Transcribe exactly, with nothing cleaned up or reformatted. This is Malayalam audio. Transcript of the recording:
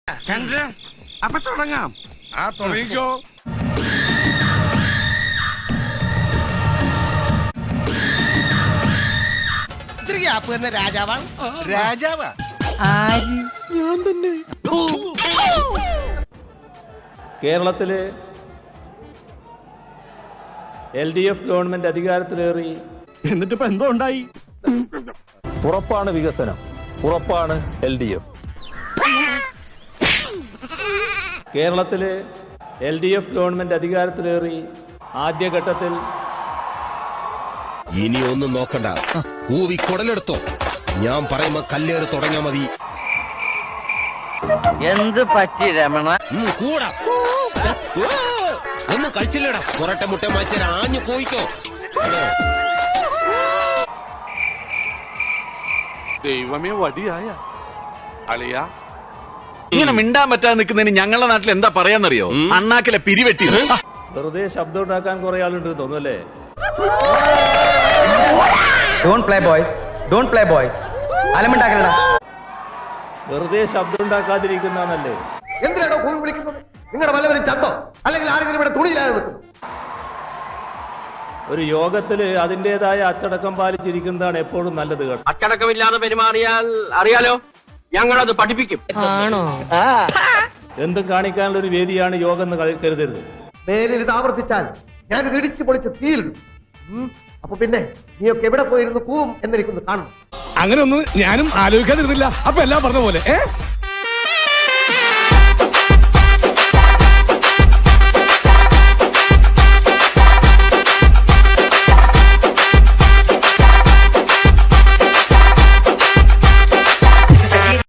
ചന്ദ്രൻ അപ്പൊ തുടങ്ങാം. ആ തുടങ്ങിക്കോ. രാജാവാണ് രാജാവാ? ആര്? ഞാൻ തന്നെ. കേരളത്തില് എൽ ഡി എഫ് ഗവൺമെന്റ് അധികാരത്തിലേറി. എന്നിട്ട് ഇപ്പൊ എന്തോ ഉണ്ടായി? ഉറപ്പാണ് വികസനം, ഉറപ്പാണ് എൽ ഡി എഫ്. കേരളത്തില് എൽ ഡി എഫ് ഗവൺമെന്റ് അധികാരത്തിലേറി ആദ്യഘട്ടത്തിൽ ഇനി ഒന്നും നോക്കണ്ട, ഊവി കുടലെടുത്തോ. ഞാൻ പറയുമ്പോ കല്ലേറ് തുടങ്ങിയാ മതി. എന്ത് പറ്റി രമണ? കൂടാ ഒന്നും കഴിച്ചില്ലടാ. പുറട്ടെ മുട്ട മാറ്റി ആഞ്ഞു പോയിക്കോ. ദൈവമേ, വടിയായ അളിയാ. ഇങ്ങനെ മിണ്ടാൻ പറ്റാതെ നിൽക്കുന്നതിന് ഞങ്ങളുടെ നാട്ടിൽ എന്താ പറയാന്നറിയോ? അണ്ണാക്കിലെ പിരിവെട്ടി. വെറുതെ ശബ്ദം ഉണ്ടാക്കാൻ കുറെ ആളുണ്ട് തോന്നുന്നല്ലേ? Don't play boys, don't play boys. അലമുണ്ടാക്കണ വെറുതെ ശബ്ദം ഉണ്ടാക്കാതിരിക്കുന്നല്ലേ? എന്തിനാണോ ഭൂമി വിളിക്കുന്നത്? നിങ്ങളുടെ വല്ലവരും ചത്തോ അല്ലെങ്കിൽ ആരെങ്കിലും ഇവിടെ തുണിയില്ലാതെ നിൽക്കുന്നു? ഒരു യോഗത്തില് അതിന്റേതായ അച്ചടക്കം പാലിച്ചിരിക്കുന്നതാണ് എപ്പോഴും നല്ലത് കേട്ടോ. അച്ചടക്കമില്ലാതെ പെരുമാറിയാൽ അറിയാലോ, ഞങ്ങളത് പഠിപ്പിക്കും. എന്തും കാണിക്കാനുള്ള ഒരു വേദിയാണ് യോഗം എന്ന് ക- കരുതരുത്. മേലിൽ ഇത് ആവർത്തിച്ചാൽ ഞാൻ ഇത് ഇടിച്ചു പൊളിച്ച് തീയിലിടും. അപ്പൊ പിന്നെ നീയൊക്കെ എവിടെ പോയിരുന്നു കൂവും എന്നെനിക്കൊന്ന് കാണണം. അങ്ങനെ ഒന്നും ഞാനും ആലോചിക്കാതിരുന്നില്ല. അപ്പൊ എല്ലാം പറഞ്ഞ പോലെ ഏ